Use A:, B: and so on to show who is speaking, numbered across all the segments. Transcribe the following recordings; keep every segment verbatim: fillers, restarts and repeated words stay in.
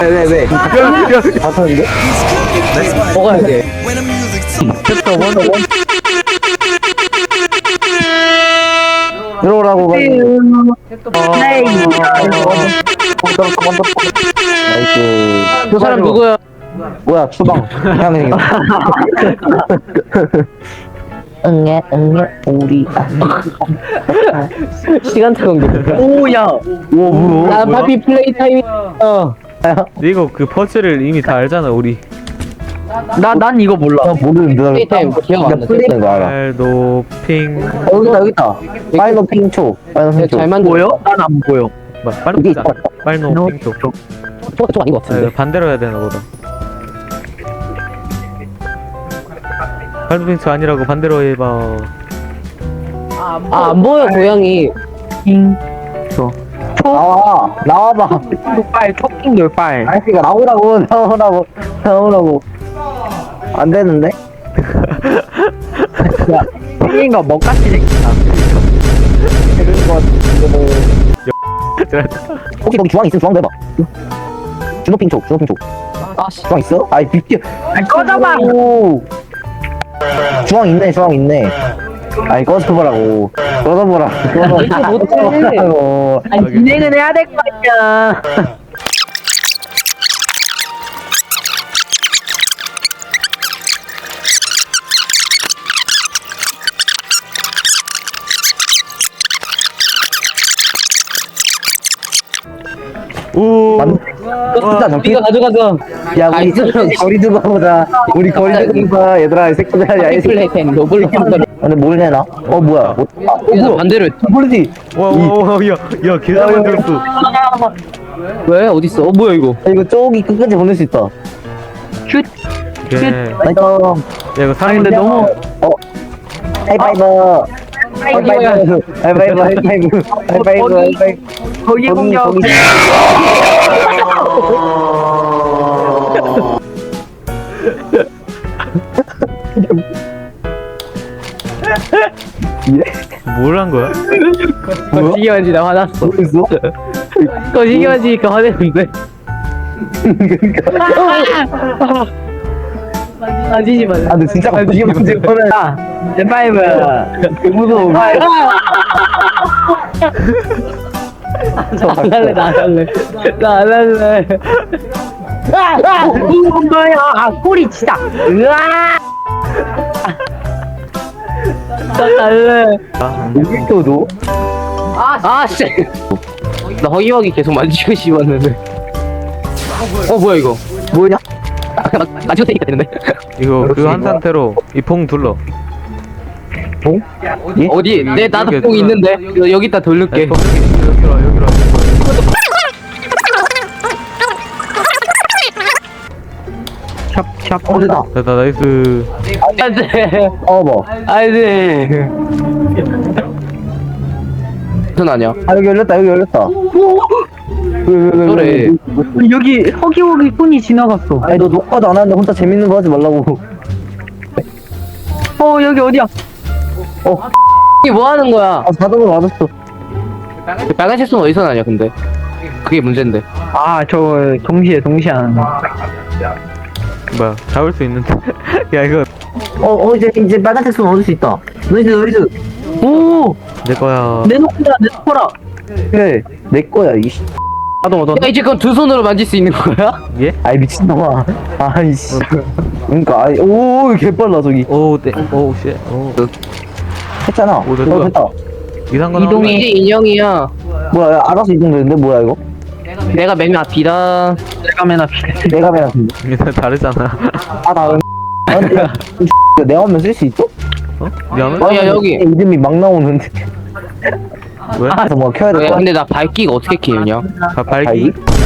A: 왜, 왜? 다섯인데?
B: 먹어야 돼.
A: 챕터 원, 원. 들어오라고 가. 나이스.
B: 저 사람 누구야?
A: 뭐야, 추방. 향해. 응애, 응애, 우리.
B: 시간차 관계.
A: 오야. 오, 뭐?
B: 나 파피 플레이 타임. 어.
C: 이거 그 퍼즐을 이미 다 알잖아 우리.
B: 나 난 이거 몰라.
A: 나 모르는데.
B: 플레이 타임 기억 안 나.
A: 플레이는 거 알아.
C: 알도 핑.
A: 어, 여기 있다, 여기 있다. 파이널 핑초. 파이널 핑초.
B: 잘 만들. 보여? 난 안 보여.
C: 뭐, 빨리
A: 여기
C: 보자.
A: 있다.
C: 빨노 핑초.
B: 저, 저 아닌 것
C: 아,
B: 같은데.
C: 이거 반대로 해야 되나 보다. 빨노 핑초 아니라고 반대로 해봐.
B: 아, 안 보여, 고양이.
A: 나와, 나와봐.
B: 빨, 토킹 돌빨.
A: 아저씨가 나오라고, 나오라고, 나오라고. 안 되는데? 야, 생긴 거 먹같이 생겼다. 그런 거 같은데. 혹시 거기 주황 있으면 주황도 해봐. 주노핑초, 주노핑초.
B: 아, 씨.
A: 주황 있어? 아이, 비켜.
B: 아니, 꺼져봐!
A: 주황 있네, 주황 있네. 아니, 꺼져보라고. 꺼져보라. 꺼져보라고.
B: 아니, 진행은 해야 될 거 아니야.
C: 오.
A: 맞네. 진짜 정신.
B: 네가 가져가서.
A: 야, 우리
B: 아이스랑
A: 거리 두고 보자. 우리 거리 두고 봐, 얘들아, 이 새끼들. 야, 이 새끼.
B: 플레이 타임, 노블 템플.
A: 근데 뭘 내나? 어, 뭐야? 어, 아, 어, 뭐야?
B: 반대로 했지.
A: 모르지?
C: 와와와 야, 야, 계산 만들었어.
B: 왜? 어딨어? 어, 뭐야, 이거?
A: 야, 이거 저기 끝까지 보낼 수 있다.
B: 슛!
C: 오케이. 야,
A: 나이스.
C: 이거 사람
B: 근데 너무.
A: 어. 하이파이브. 하이파이브. 하이파이브. 하이파이브. 하이파이브. 하이파이브.
B: 거기 공격.
A: 거기.
C: 뭘 한 거야?
B: 거시기 만지나 화났어.
A: 모르겠어?
B: 거시기 만지니까 화냈는데. 만지지 마.
A: 아, 근데 진짜 이게 문제 거는.
B: 제파이브.
A: 무서워.
B: 안 할래, 나 안 할래. 나 안 할래. 아, 이건 뭐야? 아, 꼬리 치다. 으아! 나 갈래.
A: 여기서도?
B: 아, 씨. 나 허기허기 계속 만지고 싶었는데. 어, 뭐야, 이거?
A: 뭐냐?
B: 아, 그냥 만- 만지고 때니까 되는데.
C: 이거 그거 한 상태로 이 퐁 둘러.
A: 어? 예?
B: 어디? 내 나도
C: 여기
B: 뽕
C: 들어와.
B: 있는데. 여- 여기다 돌릴게.
C: 여기로 와, 여기로 와.
A: 어, 됐다.
C: 됐다, 나이스.
B: 안 돼.
A: 어, 뭐.
B: 안 돼. 무슨 아니야?
A: 아, 여기 열렸다, 여기 열렸다.
B: 그래.
D: 여기 허기허기 손이 지나갔어.
A: 아니, 너 녹화도 안 하는데 혼자 재밌는 거 하지 말라고.
D: 어 여기 어디야?
A: 어,
B: 이게 뭐 하는 거야?
A: 아, 자동으로 맞았어.
B: 그 빨간색 손 어디서 나냐, 근데? 그게 문제인데.
D: 아 저 동시에 동시에 하는 거.
C: 뭐야, 잡을 수 있는데. 야, 이거
A: 어, 어, 이제, 이제 빨간색 손 얻을 수 있다. 너희들, 너희들.
D: 오
C: 내 거야.
D: 내놓거라 내놓거라.
A: 그래, 내 거야, 이씨.
D: 나도 얻어.
B: 야, 이제 그건 두 손으로 만질 수 있는 거야?
C: 예?
A: 아이, 미친놈아. 아이씨. 그니까, 아이, 오, 개빨라, 저기.
C: 오, 네. 오, 쉣. 오.
A: 했잖아.
C: 오, 됐다.
A: 어, 됐다.
C: 이상한 거
B: 이동이 이제 인형이야.
A: 뭐야, 야, 알아서 이동되는데, 뭐야, 이거?
B: 내가 맨 앞이다.
D: 내가 맨 앞에.
A: 내가 맨 앞인데.
C: 나오네. 다르잖아.
A: 아, 나, 아, 근데, 이 내가 하면 쓸 수 있어?
C: 어? 미안해?
B: 어, 야, 여기.
A: 이름이 막 나오는데.
C: 왜?
A: 그래서 뭐 켜야 될
B: 야,
A: 거야?
B: 근데 나 밝기가 어떻게 키우냐?
C: 바, 발기?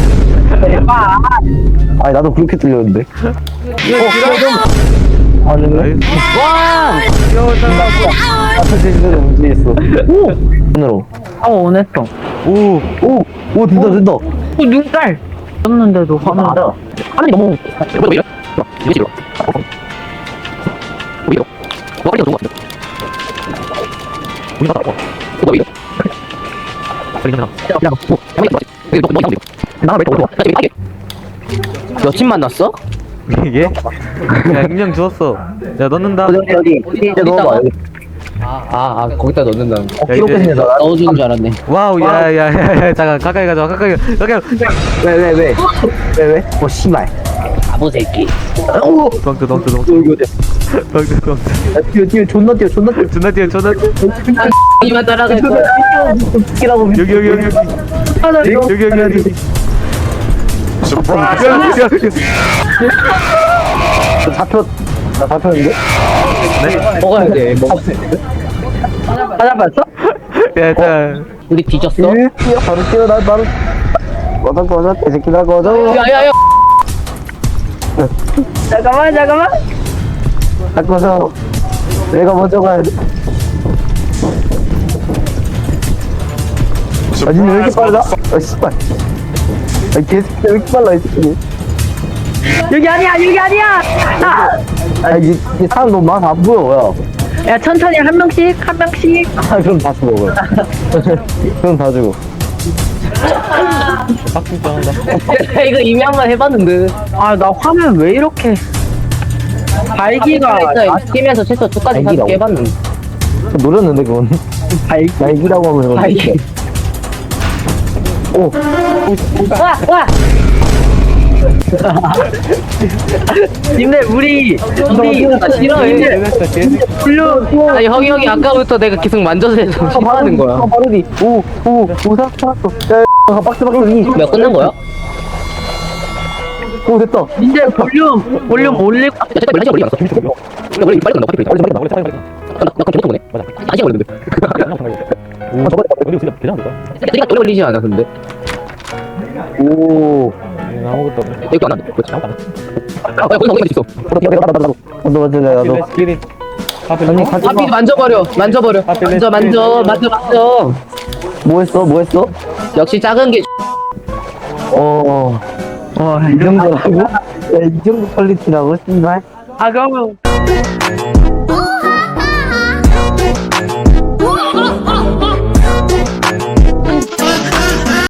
A: 아니, 나도 그렇게 들렸는데. 어, 아, 네.
C: 나이스.
B: 와!
A: 앞에 제시대로 움직였어. 오! 눈으로.
D: 어 원했어.
C: 오!
A: 오! 오, 된다, 된다.
D: 어 눈깔. 떴는데도 화나.
A: 아,
B: 하늘이 너무. 왜 이래? 이게 지금. 왜 이래? 뭐 하리가 좋은 거 같은데? 우리 나다. 뭐 이래?
C: 발기 나.
B: 야, 뭐, 가만히 있어. 여기 너, 너 이상한데?
D: 나왜 또?
B: 나 지금 이게. 여친 만났어?
C: 이게? 야 익명 주웠어. 야 넣는다.
A: 어디 어디 어디 이제 넣어봐. 여기.
B: 아, 아, 아 거기다 넣는다는
C: 야, 이제-
A: 기록했네 나.
B: 넣어주는 줄 알았네.
C: 와우 야야야 잠깐 가까이 가자 가까이 가- 가까이
A: 왜왜 왜? 왜 왜? 어 씨발.
B: 바보 새끼.
A: 오.
C: 덩트 덩트 덩트
A: 여기 어디?
C: 덩트 덩트
A: 야, 뛰어 뛰어 존나 뛰어 존나 뛰어.
C: 존나 뛰어 존나 뛰어.
B: 이만 따라갈
A: 존나
B: 거야.
A: 뛰어. 뛰라고.
C: 여기 여기 여기 여기 여기 여기 여기 여기
A: 나 잡혔. 나 잡혔는데?
B: 먹어야 돼. 먹.
A: 찾아봤어?
C: 야자
B: 우리 뒤졌어?
A: 뛰어 뛰어 바로 뛰어 나 바로. 꺼져 꺼져 개새끼다 꺼져.
B: 야야야.
A: 잠깐만 잠깐만. 바꿔서 내가 먼저 가야 돼. 아 니네 왜 이렇게 빨라? 아 씨발. 아 개새끼 왜 이렇게 빨라 이 새끼.
D: 여기 아니야, 여기 아니야! 아!
A: 아 이게 이게 사람 너무 많아 안 보여 야.
D: 야, 천천히 한 명씩, 한 명씩.
A: 아 그럼 다 주고 그럼. 그럼 다 주고.
B: 이거 이미 한 번 해봤는데.
D: 아, 나 화면 왜 이렇게. 발기가.
B: 게임에서 최소 두까지
A: 발기라고?
B: 다섯 개 해봤는데.
A: 노렸는데 그건.
D: 발기.
A: 날기라고 하면 그건.
B: 발기.
A: 오.
B: 와 와.
D: 님들, 우리. 우리.
B: 나 싫어해.
D: 블루.
B: 아니 형이 형이 아까부터 내가 계속 만져서 해서 싫어하는 거야.
A: 아 바로디. 오오 오사 살았어. 야 야, 박스 박스 이.
B: 몇 끝난 거야?
A: 오 됐다.
D: 님들, 볼륨. 볼륨 올릴.
B: 야, 잠깐 원래 원래 안 왔어. 원래 원래 빨리 끝나. 빨리 끝나. 원래 빨리 빨리. 나 그럼 저부터 보네. 맞아. 한 시간 걸렸는데.
A: 오 저번에 어디 진짜 괜찮을까?
B: 우리가 오래 걸리지 않았는데.
A: 오.
C: 아무것도 없네.
B: 여기 안 왔네. 그렇지. 아, 야, 거기서 거기까지 있어.
A: 나도 나도 나도 나도 맞을래 나도. 아니 같이
B: 하필 만져버려. 만져버려. 만져 만져 만져 만져.
A: 뭐 했어 뭐 했어?
B: 역시 작은 게.
A: 어.
D: 어,
A: 이 정도라고? 야, 이 정도 퀄리티라고 씨발.
D: 아, 그러면.
E: Ooh,